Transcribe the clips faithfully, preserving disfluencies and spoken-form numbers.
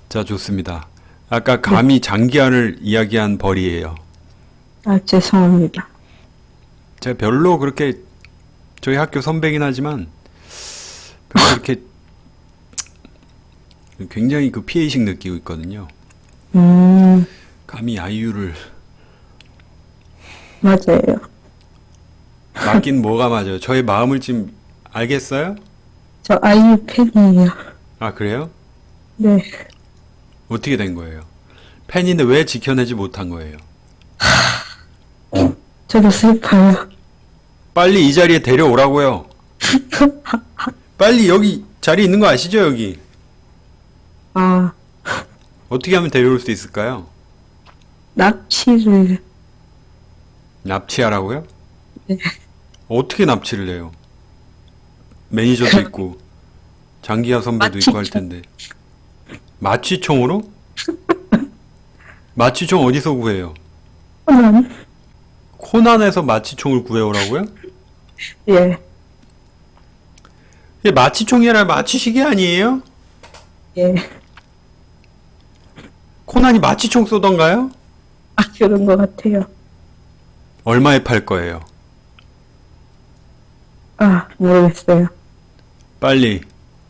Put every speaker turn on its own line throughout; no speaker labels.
자, 좋습니다. 아까 감히 장기하를 이야기한 벌이에요.
아, 죄송합니다.
제가 별로 그렇게 저희 학교 선배긴 하지만 별로 그렇게 굉장히 그 피해의식 느끼고 있거든요.
음,
감히 아이유를
맞아요.
맞긴 뭐가 맞아요. 저의 마음을 지금 알겠어요?
저 아이유 팬이에요.
아, 그래요?
네.
어떻게 된 거예요? 팬인데 왜 지켜내지 못한 거예요?
저도 슬퍼요.
빨리 이 자리에 데려오라고요. 빨리 여기 자리 있는 거 아시죠, 여기?
아,
어떻게 하면 데려올 수 있을까요?
납치를,
납치하라고요?
네.
어떻게 납치를 해요? 매니저도 있고 장기하 선배도 있고 할
마취총.
텐데. 마취총으로? 마취총 어디서 구해요?
코난?
코난에서 마취총을 구해오라고요?
예,
이게 마취총이 아니라 마취시계 아니에요?
예.
코난이 마취총 쏘던가요?
아, 그런 것 같아요.
얼마에 팔 거예요?
아, 모르겠어요.
빨리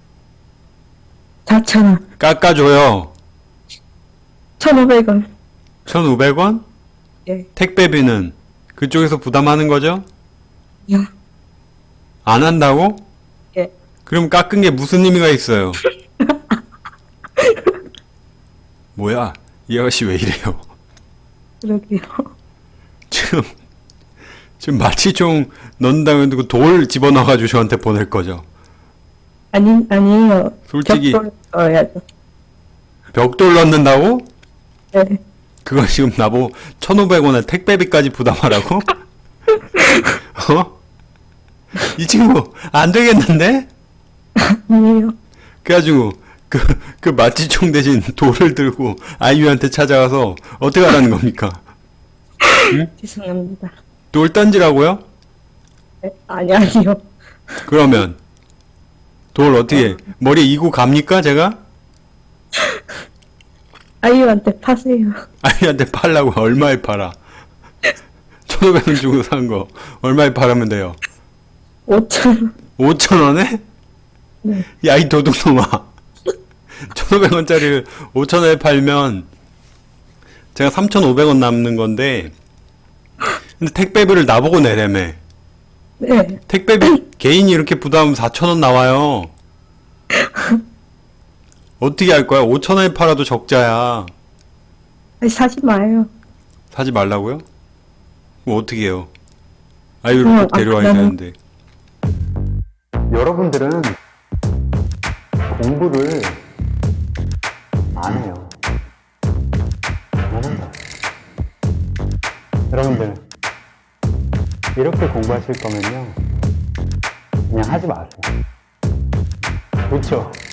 사천 원,
깎아줘요.
천오백 원.
천오백 원?
예,
택배비는 그쪽에서 부담하는 거죠?
야,
안 한다고?
예.
그럼 깎은 게 무슨 의미가 있어요? 뭐야? 이 아가씨 왜 이래요?
그러게요.
지금 지금 마취총 넣는다고 해도 돌 집어넣어가지고 저한테 보낼 거죠?
아니, 아니에요.
솔직히
벽돌 써야죠.
벽돌 넣는다고?
예,
그거 지금 나보고 천오백 원에 택배비까지 부담하라고? 어? 이 친구 안 되겠는데?
아니에요.
그래가지고 그, 그 마취총 대신 돌을 들고 아이유한테 찾아가서 어떻게 하라는 겁니까?
죄송합니다.
돌 던지라고요?
예, 아니, 아니요.
그러면 돌 어떻게 머리에 이고 갑니까 제가?
아이유한테 파세요.
아이한테 팔라고 얼마에 팔아? 천오백 원 주고 산 거 얼마에 팔으면 돼요?
오천 원.
오천 원에?
네.
야, 이 도둑놈아. 천오백 원짜리를 오천 원에 팔면 제가 삼천오백 원 남는 건데, 근데 택배비를 나보고 내래매.
네.
택배비 개인이 이렇게 부담하면 사천 원 나와요. 어떻게 할 거야? 오천 원에 팔아도 적자야.
아니, 사지 마요.
사지 말라고요? 그럼 어떻게 해요? 아이유를
어,
꼭 데려와야
아, 나는-
되는데.
여러분들은 공부를 안 해요. 안 한다. 여러분들, 이렇게 공부하실 거면요. 그냥 하지 마세요. 그렇죠?